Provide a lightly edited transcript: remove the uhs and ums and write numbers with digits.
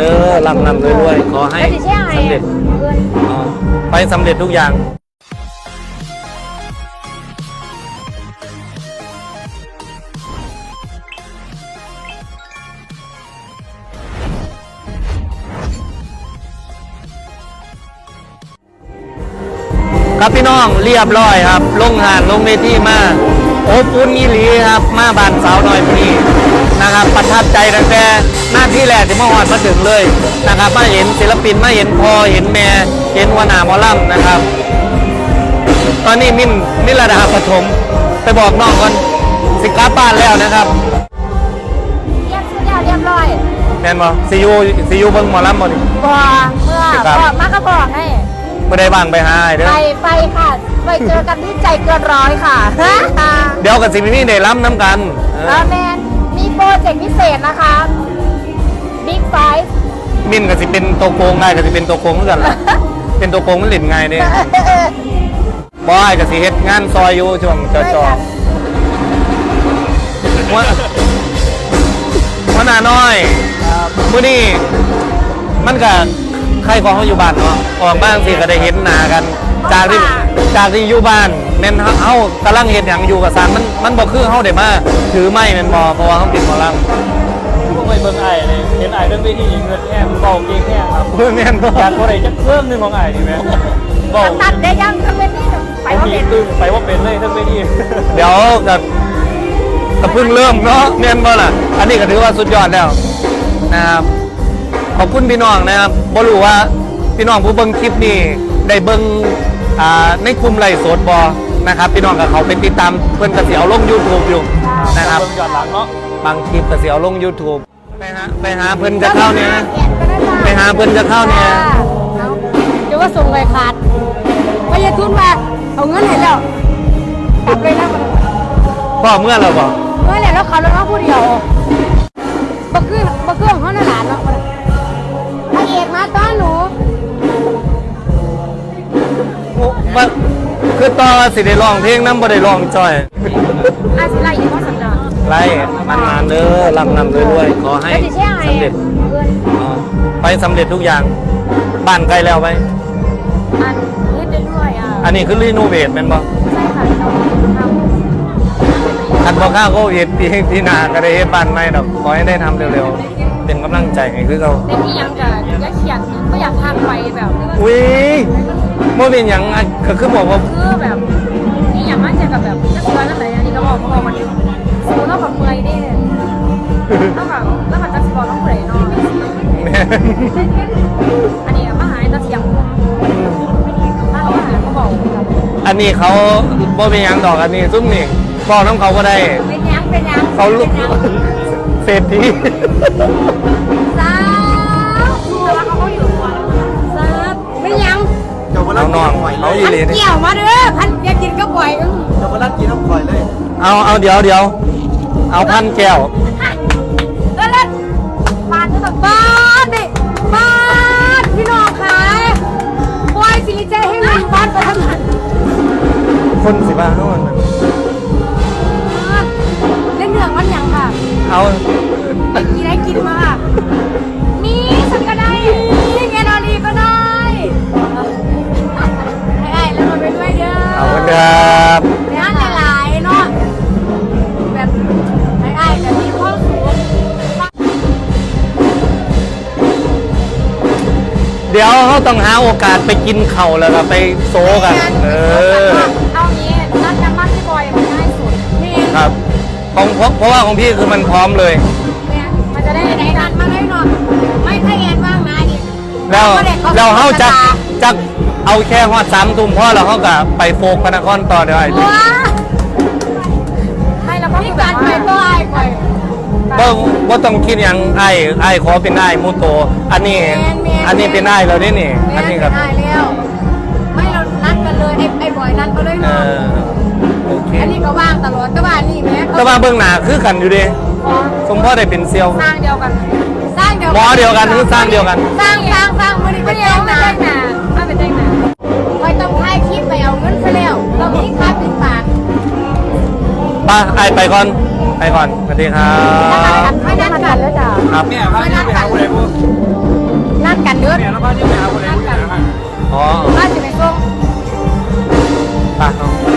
เด้อลำรวยๆขอให้สำเร็จไปสำเร็จทุกอย่างครับพี่น้องเรียบร้อยครับลงหานลงเวทีมาโอ้ปุ้นยี่หลีครับมาบานสาวหน่อยพี่นะครับประทับใจตั้งแต่หน้าที่แรกที่มาหอดมาถึงเลยนะครับมาเห็นศิลปินมาเห็นพอเห็นแม่เห็นวนาหมอลำนะครับตอนนี้มินระดับปฐมไปบอกน้องก่อนสิกลับบ้านแล้วนะครับเรียบร้อยแม่นบ่ซียูเบิ่งหมอลำบ่นี่บ่เมื่อมากก็บอกให้ไม่ได้บ้างไปหาเด้อไปค่ะไปเจอกันที่ใจเกินร้อยค่ะเดี๋ยวกับสิมีได้ล้ำน้ำกันแมนมีโปรเจกต์พิเศษนะคะบิ๊กไฟมินกับสิเป็นตัวโกงไงกับสิเป็นตัวโกงเหมือนกันล่ะเป็นตัวโกงมันหลินไงเนี่ยบอยกับสิเฮ็ดงานซอยอยู่ช่วงจอว่าหน้าน้อยมื้อนี้มันกับใครของเขาอยู่บ้านเนาะออกบ้านสิก็ได้เห็นหน้ากันจากที่อยู่บ้านแม่นเฮากำลังเห็นอย่างอยู่กับสารมันบ่คือเฮาได้มาถือไม้แม่นบ่เพราะว่าเฮาเป็นหมอลำพวกไปเบิ่งไอ้เลยเห็นไอ้เรื่องเวทีเงินแห้งเบาเก่งแห้งครับแม่นอยากอะไรจะเพิ่มหนึ่งของไอ้ดีไหมเบาตัดได้ยังทั้งเวทีไปว่าเป็นไปว่าเป็นเลยทั้งเวทีเดี๋ยวก็เพิ่งเริ่มเนาะแม่นบ่ล่ะอันนี้ก็ถือว่าสุดยอดแล้วนะครับขอบคุณพี่น้องนะครับบ่รู้ว่าพี่น้องผู้เบิ่งคลิปนี้ได้เบิ่งในกลุ่มไลฟ์สดบ่นะครับพี่น้องกับเขาไปติดตามเพิ่นก็สิเอาลง YouTube อยู่นะครับเบิ่งย้อนหลังเนาะบางคลิปก็สิเอาลง YouTube ไปหาเพิ่นจะเข้าเนี่ยไปหาเพิ่นจะเข้าเนี่ยเดี๋ยวว่าส่งเลยขาดไปยทุนมาเอาเงินให้แล้วกลับเลยนะพ่อเมื่อเราบ่เมื่อแล้วเขาแล้วผู้เดียวบ่คือของเขาหน้าหลานเนาะพระเอกมาต้อนหนูคือต่อสิได้ร้องเพลงน้ำบ่ได้ร้องจอยสิไล่อยู่ว่าสัญญาไล่มันเด้อลำรวยๆขอให้สำเร็จไปสำเร็จทุกอย่างบ้านใกล้แล้วไปอันนี้คือรีโนเวทแม่นบ่ใช่ค่ะทันบ่ข้าวก็เฮ็ดที่นาก็ได้เฮ็ดบ้านใหม่ดอกขอให้ได้ทำเร็วๆเป็นกำลังใจให้คือเราเป็นที่ยังกะอยากเขียนก็อยากทำไปแบบอุ้ยบ่เป็นหยังก็คือบอกว่าคือแบบนี่อย่างมั่นใจกับแบบจะเชื่อนั่นไหนอันนี้ก็บอกมันสู้เท่ากับเมื่อยดิเท่ากับแล้วมันจะสปอร์ตต้องเปรย์เนาะอันนี้มาหาจะเสียงมาหาเขาบอกอันนี้เขาบ่เป็นหยังดอกอันนี้ซุ่มนี่บอกน้ำเขาก็ได้เป็นยังเขาลุกเศรษฐีสาวแต่ว่าเขาก็อยู่ตัวสาวเป็นยังเอาน้องเอาอีหลีเกี่ยวมาเด้อพันอยากกินก็ปล่อยเดี๋ยวมาลัดกินน้ำข่อยเลยเอาเดี๋ยวเอาพันแก้วแล้วบ้านแบบบ้านดิบ้านพี่น้องขายปล่อยสิริใจให้มันบ้านไปทำงานคนสิบ้าเท่านั้นเล่นเรื่องมันยังค่ะเอาได้กินมาค่ะมีสักก็ได้นี่ไงนอนดีก็ได้ไอ้แล้วมันไปด้วยเด้อเอาครับงานหลายๆเนาะแบบไอ้แต่มีความสุขเดี๋ยวเขาต้องหาโอกาสไปกินเข่าแล้วก็ไปโซกันเอางี้นัดกันบ้านพี่บอยมันง่ายสุดครับเพราะว่าของพี่คือมันพร้อมเลยมันจะได้ไหนนัดมาได้หน่อยไม่ถ้าแอนว่างนะดิเราเขาจะเอาแค่ฮอด3 ทุ่มพ่อเราเขาก็ไปโฟกพนครต่อได้ให้เราก็มีการไปก็ไอ้ไปว่าต้องคิดอย่างไอ้ขอเป็นไอ้มูโตอันนี้เป็นไอ้เราได้นี่อันนี้ครับแล้วไม่เรานัดกันเลยไอ้บอยนัดเขาเลยเนาะโอเคอันนี้ก็ว่างตลอดก็ว่านี่แม่ก็ว่าเบื้องหน้าคือกันอยู่ดิสมพ่อได้เป็นเซียวสร้างเดียวกันหมอเดียวกันหรือสร้างเดียวกันสร้างมือนี้ก็เดียวนะถ้าเป็นได้นะคอยต้องถ่ายคลิปไปเอาเงินซะแล้วเราไม่ค่าปิดปากไปก่อนสวัสดีครับไม่นัดกันแล้วจ้ะครับเนี่ยพาไปหาอะไรพวกานกันเด้อเนี่ยแล้วก็ที่ไปหาคนไหนคนไหนอ๋อบ้านจะไปส่งไปเอา